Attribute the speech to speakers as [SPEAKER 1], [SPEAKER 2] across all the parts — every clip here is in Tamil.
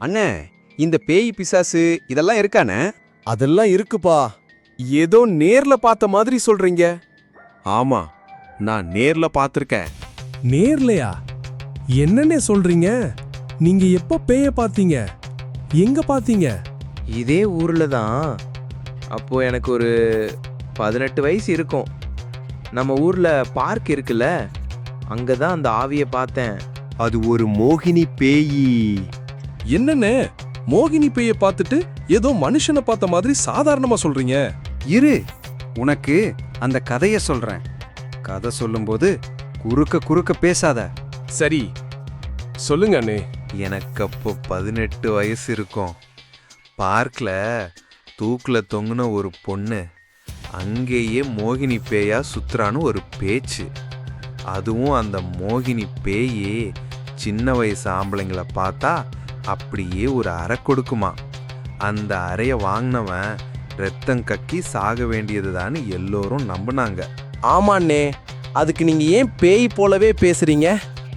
[SPEAKER 1] அண்ணே, இந்த பேய் பிசாசு இதெல்லாம் இருக்கானே?
[SPEAKER 2] அதெல்லாம் இருக்குப்பா. ஏதோ நேர்ல பார்த்த மாதிரி சொல்றீங்க.
[SPEAKER 3] ஆமா, நான் நேர்ல பார்த்திருக்கேன்.
[SPEAKER 4] நேர்லையா? என்னன்னே சொல்றீங்க? நீங்க எப்ப பேய பாத்தீங்க? எங்க பாத்தீங்க?
[SPEAKER 5] இதே ஊர்ல தான். அப்போ எனக்கு ஒரு 18 வயசு இருக்கும். நம்ம ஊர்ல பார்க் இருக்குல்ல, அங்கதான் அந்த ஆவியை பார்த்தேன்.
[SPEAKER 3] அது ஒரு மோகினி பேயி.
[SPEAKER 4] என்னன்னே, மோகினி பேய பார்த்துட்டு ஏதோ மனுஷனை பார்த்த மாதிரி சாதாரணமா சொல்றீங்க?
[SPEAKER 1] இரு, உனக்கு அந்த கதைய சொல்றேன். கதை சொல்லும்போது குறுக்க குறுக்க பேசாத.
[SPEAKER 4] சரி, சொல்லுங்க அண்ணே.
[SPEAKER 3] எனக்கு அப்போ 18 வயசு இருக்கும். பார்க்ல தூக்குல தொங்குன ஒரு பொண்ணு அங்கேயே மோகினி பேயா சுத்துறான்னு ஒரு பேச்சு. அதுவும் அந்த மோகினி பேயே சின்ன வயசு ஆம்பளைங்களை பார்த்தா அப்படியே ஒரு அறை கொடுக்குமா. அந்த அறைய வாங்கினவன் ரத்தம் கக்கி சாக வேண்டியதுதான்னு எல்லோரும் நம்பினாங்க.
[SPEAKER 2] ஆமாண்ணே, அதுக்கு நீங்க ஏன் பேய் போலவே பேசுறீங்க?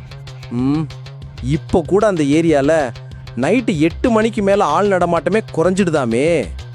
[SPEAKER 2] இப்போ கூட அந்த ஏரியால நைட்டு 8 மணிக்கு மேல ஆள் நடமாட்டமே குறைஞ்சிடுதாமே.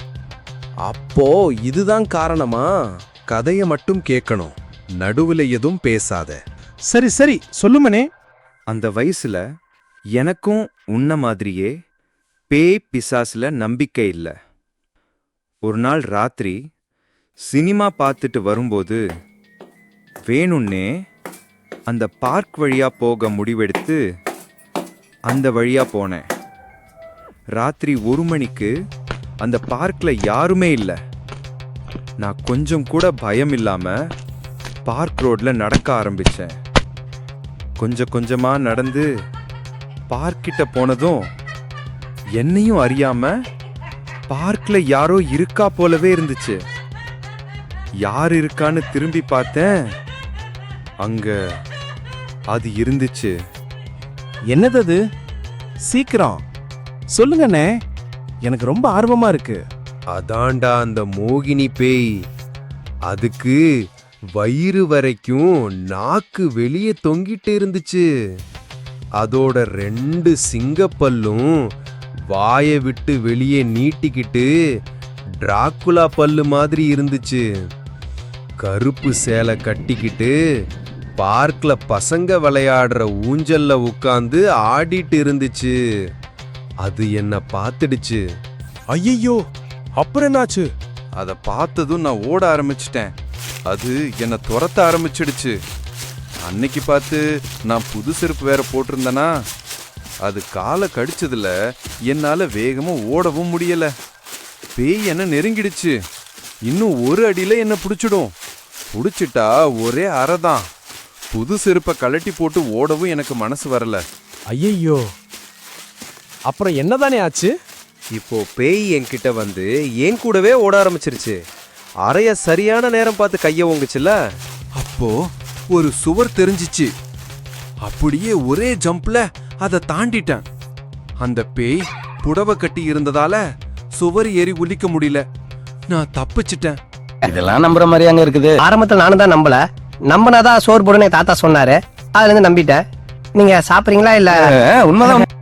[SPEAKER 2] அப்போ இதுதான் காரணமா?
[SPEAKER 1] கதைய மட்டும் கேட்கணும், நடுவுல எதுவும் பேசாத.
[SPEAKER 4] சரி சரி, சொல்லுமனே.
[SPEAKER 1] அந்த வயசுல எனக்கும் உன்ன மாதிரியே பேய் பிசாசுல நம்பிக்கை இல்ல. ஒரு நாள் ராத்திரி சினிமா பார்த்துட்டு வரும்போது வேணும்னே அந்த பார்க் வழியா போக முடிவெடுத்து அந்த வழியா போனேன். ராத்திரி 1 மணிக்கு அந்த பார்க்ல யாருமே இல்லை. நான் கொஞ்சம் கூட பயம் இல்லாம பார்க் ரோட்ல நடக்க ஆரம்பிச்சேன். கொஞ்சம் கொஞ்சமா நடந்து பார்க்கிட்ட போனதும் என்னையும் அறியாம பார்க்ல யாரோ இருக்கா போலவே இருந்துச்சு. யார் இருக்கான்னு திரும்பி பார்த்தேன். அங்க அது இருந்துச்சு.
[SPEAKER 4] என்னது அது? சீக்கிரம் சொல்லுங்கண்ணே, எனக்கு ரொம்ப ஆர்வமா இருக்கு.
[SPEAKER 3] அதாண்டா அந்த மோகினி பேய். அதுக்கு வயிறு வரைக்கும் நாக்கு வெளியே தொங்கிட்டு இருந்துச்சு. அதோட 2 சிங்கப்பல்லும் வாயை விட்டு வெளியே நீட்டிக்கிட்டு டிராக்குலா பல்லு மாதிரி இருந்துச்சு. கருப்பு சேலை கட்டிக்கிட்டு பார்க்ல பசங்க விளையாடுற ஊஞ்சல்ல உட்கார்ந்து ஆடிட்டு இருந்துச்சு. அது என்ன பார்த்துடுச்சு.
[SPEAKER 4] ஐயோ, அப்புறம் என்னாச்சு?
[SPEAKER 1] அதை பார்த்ததும் நான் ஓட ஆரம்பிச்சிட்டேன். அது என்னை துரத்த ஆரம்பிச்சிடுச்சு. அன்னைக்கு பார்த்து நான் புது செருப்பு வேற போட்டிருந்தேனா, அது காலை கடிச்சதுல என்னால வேகமா ஓடவும் முடியல. பேய் என்ன நெருங்கிடுச்சு. இன்னும் ஒரு அடியில என்ன பிடிச்சிடும். பிடிச்சிட்டா ஒரே அறைதான். புது செருப்பை கழட்டி போட்டு ஓடவும் எனக்கு மனசு வரல.
[SPEAKER 4] ஐயோ, அப்புறம் என்னதானே ஆச்சு?
[SPEAKER 5] இப்போ பேய் என்கிட்ட வந்து என் கூடவே ஓட ஆரம்பிச்சிருச்சு. அறைய சரியான நேரம் பார்த்து கைய ஓங்குச்சுல.
[SPEAKER 3] அப்போ ஒரு சுவர் தெரிஞ்சிச்சு. அப்படியே ஒரே ஜம்ப்ல அதை தாண்டிட்டேன். அந்த பேய் புடவை கட்டி இருந்ததால சுவர் ஏறி குளிக்க முடியல. நான் தப்பிச்சிட்டேன்.
[SPEAKER 6] இதெல்லாம் நம்புற மாதிரி அங்க இருக்குது. ஆரம்பத்துல நானும் தான் நம்பல. நம்பினாதான் சோறு போடுன்னு தாத்தா சொன்னாரு. அதுல இருந்து நம்பிட்டேன். நீங்க சாப்பிடுறீங்களா இல்ல?
[SPEAKER 4] உண்மைதான்.